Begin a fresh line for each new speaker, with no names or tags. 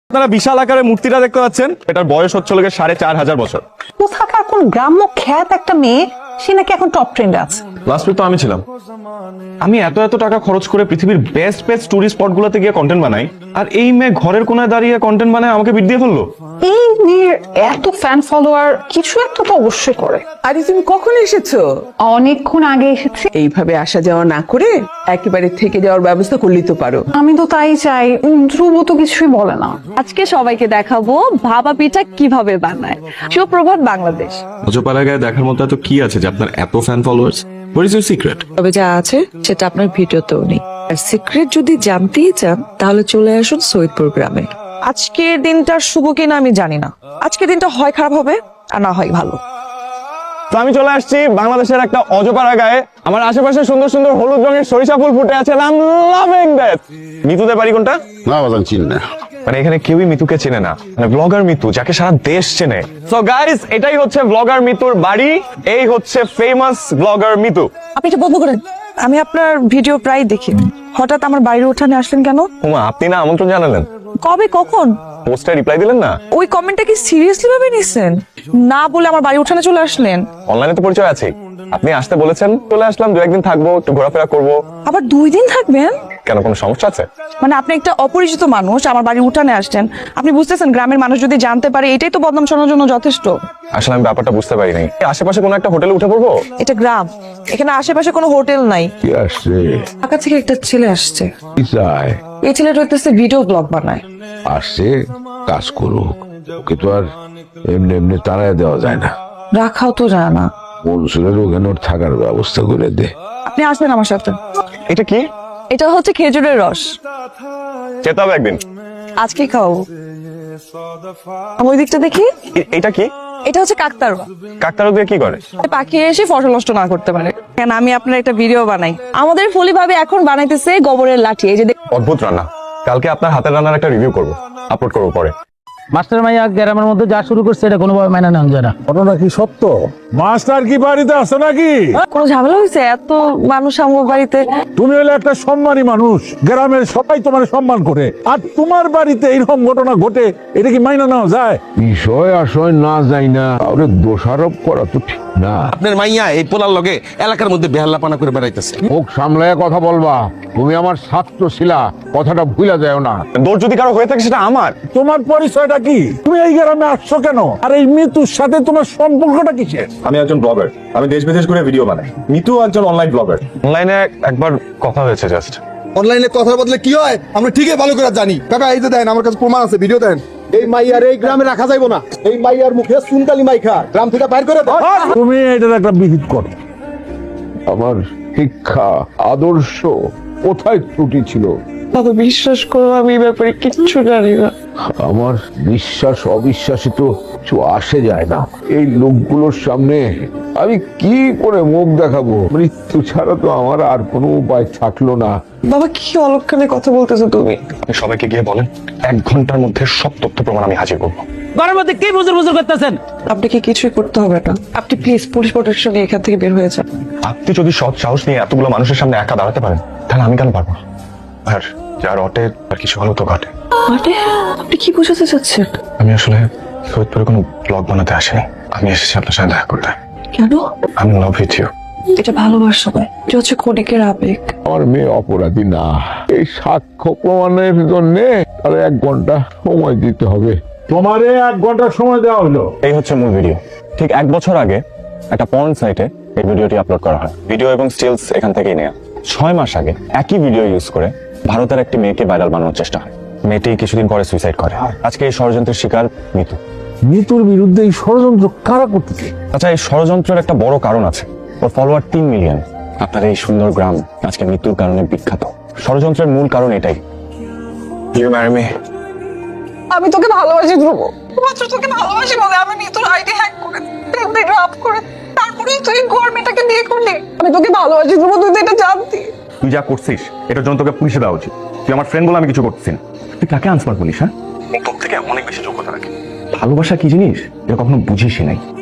আপনারা বিশাল আকারের মূর্তিটা দেখতে পাচ্ছেন, এটার বয়স হচ্ছে 4500 বছর।
কোথাকার কোন গ্রাম্য খ্যাত একটা মেয়ে, সে নাকি এখন টপ ট্রেন্ডে আছে।
লাস্ট উইক তো আমি ছিলাম। আমি এত টাকা খরচ করে পৃথিবীর বেস্ট টুরিস্ট স্পট গুলোতে গিয়ে কন্টেন্ট বানাই, আর এই মেয়ে ঘরের কোনায় দাঁড়িয়ে কন্টেন্ট বানায় আমাকে বিট দিয়ে ফেললো।
এই মেয়ের এত ফ্যান ফলোয়ার, কিছু একটা তো অবশ্যই করে।
আরে তুমি কখন এসেছো?
অনেকক্ষণ আগে এসেছি।
এইভাবে আসা যাওয়া না করে একেবারে থেকে যাওয়ার ব্যবস্থা করলেই তো পারো।
আমি তো তাই চাই, ধ্রুব তো কিছুই বলে না।
আজকে সবাইকে দেখাবো ভাপা পিঠা কিভাবে বানায়। সুপ্রভাত বাংলাদেশ।
অজপাড়াগায় দেখার মতো এত কি আছে যে আপনার এত fan followers? What is your secret?
তবে যা আছে সেটা আপনার ভিডিওতেও নেই। আর সিক্রেট যদি জানতেই চান তাহলে চলে আসুন সৈয়দপুর গ্রামে।
আজকের দিনটা শুভ কিনা আমি জানি না। আজকের দিনটা হয় খারাপ হবে আর না হয় ভালো।
তো আমি চলে আসছি বাংলাদেশের একটা অজপাড়াগায়ে। আমার আশেপাশে সুন্দর সুন্দর হলুদ রঙের সরিষা ফুল ফুটে আছে। I am loving that. মিতুদের বাড়ি কোনটা?
না বাজান চিনি না।
মানে এখানে কেউই মিতুকে চেনে না, মানে ব্লগার মিতু যাকে সারা দেশ চেনে। সো গাইস, এটাই হচ্ছে ব্লগার মিতুর বাড়ি। এই হচ্ছে ফেমাস ব্লগার মিতু।
আপনি এটা বন্ধ করেন। আমি আপনার ভিডিও প্রায় দেখি, হঠাৎ আমার বাড়ির উঠানে আসলেন কেন?
হুমা, আপনি না আমন্ত্রণ জানালেন,
কবে কখন?
পোস্টে রিপ্লাই দিলেন না।
ওই কমেন্টটা কি সিরিয়াসলি ভাবে নিছেন? না বলে আমার বাড়ির উঠানে চলে আসলেন।
অনলাইনে তো পরিচয় আছে, আপনি আসতে বলেছেন, চলে আসলাম। 2-1 দিন থাকবো, একটু ঘোরাফেরা করবো।
আবার 2 দিন থাকবেন?
কেন, কোনো সমস্যা আছে?
মানে আপনি একটা অপরিচিত মানুষ আমার বাড়ির উঠানে আসছেন, আপনি বুঝতেছেন গ্রামের মানুষ যদি জানতে পারে এটাই তো বদনাম শোনার জন্য যথেষ্ট।
আসলে আমি ব্যাপারটা বুঝতে পারি নাই। আশেপাশে কোনো একটা হোটেলে উঠে পড়বো।
এটা গ্রাম, এখানে আশেপাশে কোনো হোটেল নাই।
কি আসছে?
ঢাকা থেকে একটা ছেলে আসছে।
কি চায়?
এই ছেলেটা হইতেছে ভিডিও ব্লগ বানায়।
আসছে কাজ করুক, ওকে তো আর এমনি এমনি তাড়ায় দেওয়া যায় না।
রাখাও তো যায় না।
মনসুরের ওখানে ওর থাকার ব্যবস্থা করে দে।
আপনি আসবেন আমার সাথে।
এটা কি?
এটা হচ্ছে খেজুরের রস।
যেতে হবে একদিন।
আজকে খাও। আমি ওই দিকটা দেখি।
এটা কি?
এটা হচ্ছে কাকতাড়ুয়া।
কাকতাড়ুয়া দিয়ে কি করে?
পাখি এসে ফসল নষ্ট না করতে পারে। কেন, আমি আপনার একটা ভিডিও বানাই। আমাদের ফলি ভাবে এখন বানাইতেছে গোবরের লাঠি। এই যে
অদ্ভুত রান্না। কালকে আপনার হাতের রান্নার একটা রিভিউ করবো, আপলোড করবো পরে।
মাস্টার মাইয়া গ্রামের মধ্যে যা শুরু করছে এটা কোনোভাবে মাইনা নেওয়া যায় না।
ঘটনা কি সত্য? মাস্টার কি বাড়িতে আছে নাকি?
কোনো ঝামেলা হয়েছে? এত মানুষ আমার বাড়িতে।
তুমি হলে একটা সম্মানী মানুষ, গ্রামের সবাই তোমার সম্মান করে, আর তোমার বাড়িতে এইরকম ঘটনা ঘটে, এটা কি মাইনা নেওয়া যায়?
বিষয় আশয় না যাই না, তাহলে দোষারোপ করা তো ঠিক না।
আপনার মাইয়া এই পোলার লগে এলাকার মধ্যে বেহাল্লাপানা করে বেড়াইতেছে।
মুখ সামলায় কথা বলবা। তুমি আমার ছাত্র ছিলা, কথাটা ভুলা যায় না।
দোষ যদি কারো হয়ে থাকে সেটা আমার।
তোমার পরিচয়টা কি? তুমি এই গ্রামে আসছো কেন? আর এই মৃত্যুর সাথে তোমার সম্পর্কটা কিসের?
আমি একজন ব্লগার, আমি দেশ বিদেশ ঘুরে ভিডিও বানাই। মিতু একজন অনলাইন ব্লগার। অনলাইনে একবার কথা হয়েছে জাস্ট।
অনলাইনে কথার বদলে কি হয় আমরা ঠিকই ভালো করে জানি। কাকা এই যে দেন, আমার কাছে প্রমাণ আছে, ভিডিও দেন। এই মাইয়ার এই গ্রামে রাখা যাইবো না। এই মাইয়ার মুখে সুনকালি মাইখা গ্রাম থেকে বাইর করে দাও।
তুমি এটার একটা বিহিত করো।
আমার শিক্ষা আদর্শ কোথায় ত্রুটি ছিল?
বাবা বিশ্বাস করো, আমি এই ব্যাপারে কিচ্ছু জানি না।
আমার বিশ্বাস অবিশ্বাসে তো কিছু আসে যায় না। এই লোকগুলোর সামনে আমি কি করে মুখ দেখাবো? মৃত্যু ছাড়া তো আমার আর কোনো উপায় থাকলো না।
বাবা কি অলক্ষণে কথা বলতেছো তুমি?
আপনি সবাইকে গিয়ে বলেন 1 ঘন্টার মধ্যে সব তথ্য প্রমাণ আমি হাজির করবো।
ঘরের মধ্যে কি বুজুর বুজুর করতেছেন?
আপনাকে কিছুই করতে হবে না। আপনি প্লিজ পুলিশ প্রোটেকশন নিয়ে এখান থেকে বের হয়ে যান।
আপনি যদি সৎ সাহস নিয়ে এতগুলো মানুষের সামনে একা দাঁড়াতে পারেন, তাহলে আমি কেন পারবো না? আর যার অটে আর কিছু হলো তো ঘটে।
মানে আপনি কি বুঝাতে চাচ্ছেন?
আমি আসলে সৈয়দপুরে কোনো ব্লগ বানাতে আসিনি, আমি এসেছি আপনার সাথে দেখা করতে।
কেন?
আমি লাভ উইথ ইউ।
এটা ভালোবাসা নয়, এটা হচ্ছে ক্ষণিকের আবেগ।
আমার মেয়ে অপরাধী না। এই সাক্ষ্য প্রমাণের জন্য তাহলে 1 ঘন্টা সময় দিতে হবে।
তোমারে 1 ঘন্টা সময় দেওয়া হলো।
এই হচ্ছে মূল ভিডিও। ঠিক 1 বছর আগে একটা পর্ন সাইটে এই ভিডিওটি আপলোড করা হয়। ভিডিও এবং স্টিলস এখান থেকেই নেওয়া। 6 মাস আগে একই ভিডিও ইউজ করে ভারতের একটি মেয়েকে ভাইরাল বানানোর চেষ্টা হয়। মেয়েটি কিছুদিন পরে সুইসাইড করে। আজকে এই ষড়যন্ত্রের শিকার মিতু।
মৃত্যুর বিরুদ্ধে এই ষড়যন্ত্র কারা করতেছে?
আচ্ছা, এই ষড়যন্ত্রের একটা বড় কারণ আছে। ওর ফলোয়ার 3 মিলিয়ন। আপনার এই সুন্দর গ্রাম আজকে মৃত্যুর কারণে বিখ্যাত। ষড়যন্ত্রের মূল কারণ এটাই। You marry me.
আমি তোকে ভালোবাসি ধ্রুব, মাত্র তোকে ভালোবাসি বলে আমি তোর আইডি হ্যাক করে ড্রাফট করে তারপরে তুই গভর্নমেন্টটাকে বিয়ে করলি। আমি তোকে ভালোবাসি ধ্রুব, তুই তো এটা জানতি।
তুই যা করছিস এটার জন্য তোকে পুলিশে দেওয়া উচিত। তুই আমার ফ্রেন্ড বলে আমি কিছু করতেছি না। তুই কাকে আনসার বলিস? হ্যাঁ, তোর থেকে অনেক বেশি যোগ্যতা রাখে। ভালোবাসা কি জিনিস এটা কখনো বুঝিসই নাই।